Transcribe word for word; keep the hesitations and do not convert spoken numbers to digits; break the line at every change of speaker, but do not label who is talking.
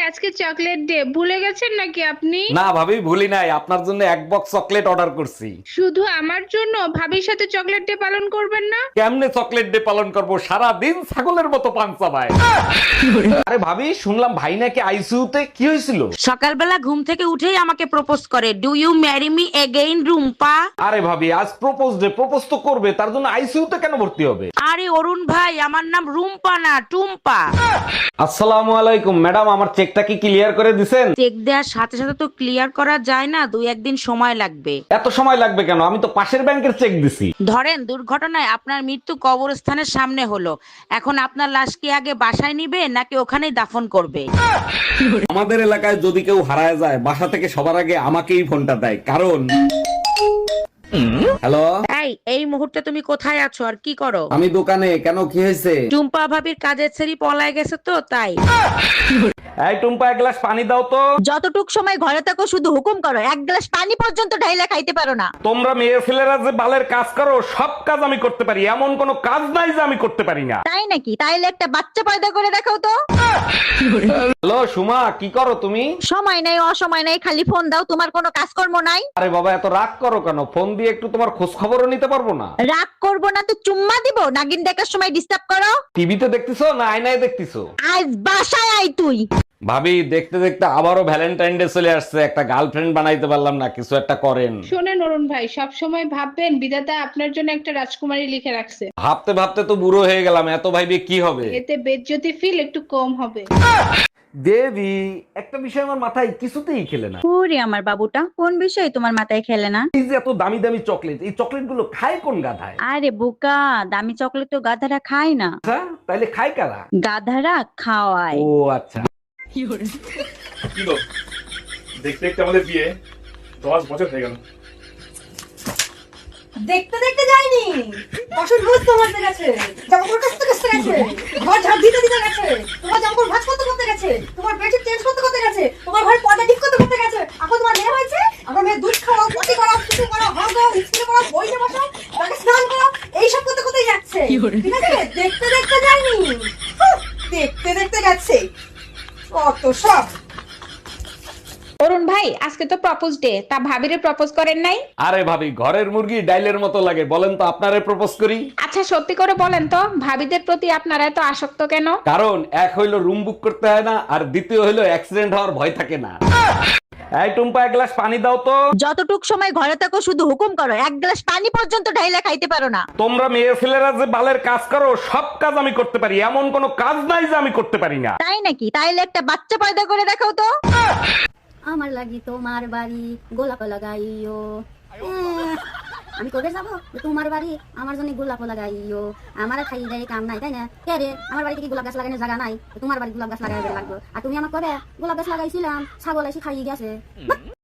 আজকে chocolate day, ভুলে গেছেন নাকি আপনি?
না ভাবি, ভুলি নাই। আপনার জন্য এক বক্স চকলেট অর্ডার করছি।
শুধু আমার জন্য? ভাবির সাথে চকলেট ডে পালন করবেন না?
কেমনে চকলেট ডে পালন করব? সারা দিন ছাগলের মতো পান চাবায়। আরে ভাবি, শুনলাম ভাই নাকি আইসিইউতে। কি হয়েছিল?
সকালবেলা ঘুম থেকে উঠেই আমাকে প্রপোজ করে, do you marry me again Rumpa.
আরে ভাবি, আজ প্রপোজ ডে, প্রপোজ তো করবে, তার জন্য আইসিইউতে কেন ভর্তি হবে?
আরে অরুণ ভাই, আমার নাম রুম্পা না টুম্পা।
আসসালামু আলাইকুম ম্যাডাম, আমার চেকটা কি ক্লিয়ার করে দিছেন?
চেক দেওয়ার সাথে সাথে তো ক্লিয়ার করা যায় না, দুই একদিন সময় লাগবে।
এত সময় লাগবে কেন? আমি তো পাশের ব্যাংকের চেক দিছি।
ধরেন দুর্ঘটনায় আপনার মৃত্যু কবরস্থানের সামনে হলো, এখন আপনার লাশ কি আগে বাসায় নিবে নাকি ওখানেই দাফন করবে?
আমাদের এলাকায় যদি কেউ হারায় যায়, বাসা থেকে সবার আগে আমাকেই ফোনটা দেয়, কারণ হ্যালো,
এই এই মুহূর্তে তুমি কোথায় আছো আর কি করো?
আমি দোকানে। কেন, কি হয়েছে?
টুম্পা ভাবির কাজের ছেড়ি পলায় গেছে তো তাই।
এই টুম্পা, এক গ্লাস পানি দাও তো।
যতটুক সময় ঘরে থাকো শুধু হুকুম করো, এক গ্লাস পানি পর্যন্ত ঢাইলা খাইতে পারো না।
তোমরা মেয়ে ছেলেরা যে বালের কাজ করো, সব কাজ আমি করতে পারি, এমন কোনো কাজ নাই যে আমি করতে পারি না।
তাই নাকি? তাইলে একটা বাচ্চা পয়দা করে দেখাও তো।
হ্যালো সুমা, কি করো তুমি?
সময় নাই, অসময় নাই, খালি ফোন দাও, তোমার কোনো কাজকর্ম নাই।
আরে বাবা, এত রাগ করো কেন? ফোন দিয়ে একটু তোমার খোঁজ খবরও নিতে পারবো না?
রাগ করবো না তো চুম্মা দিব? নাগিন দেখার সময় ডিস্টার্ব করো।
টিভিতে দেখতেছো না আয়নায় দেখতেছো?
আজ বাসায় আই তুই।
ভাবি, দেখতে দেখতে আবারও ভ্যালেন্টাইন ডে চলে আসছে, একটা গার্লফ্রেন্ড বানাইতে পারলাম না। কিছু একটা করেন।
শোনেন অরুণ ভাই, সব সময় ভাববেন বিধাতা আপনার জন্য একটা রাজকুমারী লিখে রাখছে।
ভাবতে ভাবতে তো বুড়ো হয়ে গেলাম, এত ভাইবে কি হবে?
এতে বেজ্জতি ফিল একটু কম হবে।
দেবী, একটা বিষয় আমার মাথায় কিছুতেই খেলে না।
ওরে আমার বাবুটা, কোন বিষয় তোমার মাথায় খেলে না?
এই যে এত দামি দামি চকলেট, এই চকলেট গুলো খায় কোন গাধায়?
আরে বোকা, দামি চকলেট তো গাধারা খায় না,
আচ্ছা, তাইলে খায় কারা?
গাধারা খাওয়ায়।
ও আচ্ছা।
কি গো, দেখতে দেখতে আমাদের বিয়ে দশ বছর হয়ে গেল।
দেখতে দেখতে যায়নি, বাসন মাজতে মাজতে গেছে, জামাকাপড় কাচতে কাচতে গেছে, ঘর ঝাড় দিতে দিতে গেছে, তোমার জামাকাপড় ভাঁজ করতে করতে গেছে, তোমার বেডশিট চেঞ্জ করতে করতে গেছে, তোমার ঘরে পর্দা ঠিক করতে করতে গেছে। এখন তোমার মেয়ে হয়েছে, আমার মেয়ে দুধ খাওয়াও, পটি করাও, কিছু করাও, হাত দাও, স্কুলে করাও, বইতে বসাও, তাকে স্নান করাও, এইসব করতে করতেই যাচ্ছে। ঠিক আছে, দেখতে দেখতে যায়নি, হুঁ, দেখতে দেখতে গেছে কত সব।
অরুণ ভাই, আজকে তো প্রপোজ ডে, তা ভাবিরে প্রপোজ করেন নাই?
আরে ভাবি, ঘরের মুরগি ডাইলের মতো লাগে, বলেন তো আপনারে প্রপোজ করি?
আচ্ছা সত্যি করে বলেন তো, ভাবিদের প্রতি আপনারা এত আসক্ত কেন?
কারণ এক হইলো রুম বুক করতে হয় না, আর দ্বিতীয় হইলো অ্যাক্সিডেন্ট হওয়ার ভয় থাকে না। এই টুম্পা, এক গ্লাস পানি দাও তো।
যতটুক সময় ঘরে থাকো শুধু হুকুম করো, এক গ্লাস পানি পর্যন্ত ঢাইলা খাইতে পারো না।
তোমরা মেয়ে ছেলেরা যে বালের কাজ করো, সব কাজ আমি করতে পারি, এমন কোনো কাজ নাই যে আমি করতে পারি না।
তাই নাকি? তাইলে একটা বাচ্চা পয়দা করে দেখাও তো।
আমার লাগি তোমার বাড়ি গোলাপ লাগাইও। এহ, আমি কবে যাবো যে তোমার বাড়ি আমার জন্য গোলাপ লাগাইও? আমার খাই দেয় কাম নাই, তাই না? কে রে, আমার বাড়িতে কি গোলাপ গাছ লাগানোর জায়গা নাই? তোমার বাড়ি গোলাপ গাছ লাগাই লাগবে। আর তুমি আমার কবে গোলাপ গাছ লাগাইছিলাম, ছাগল এসে খাইয়ে গেছে।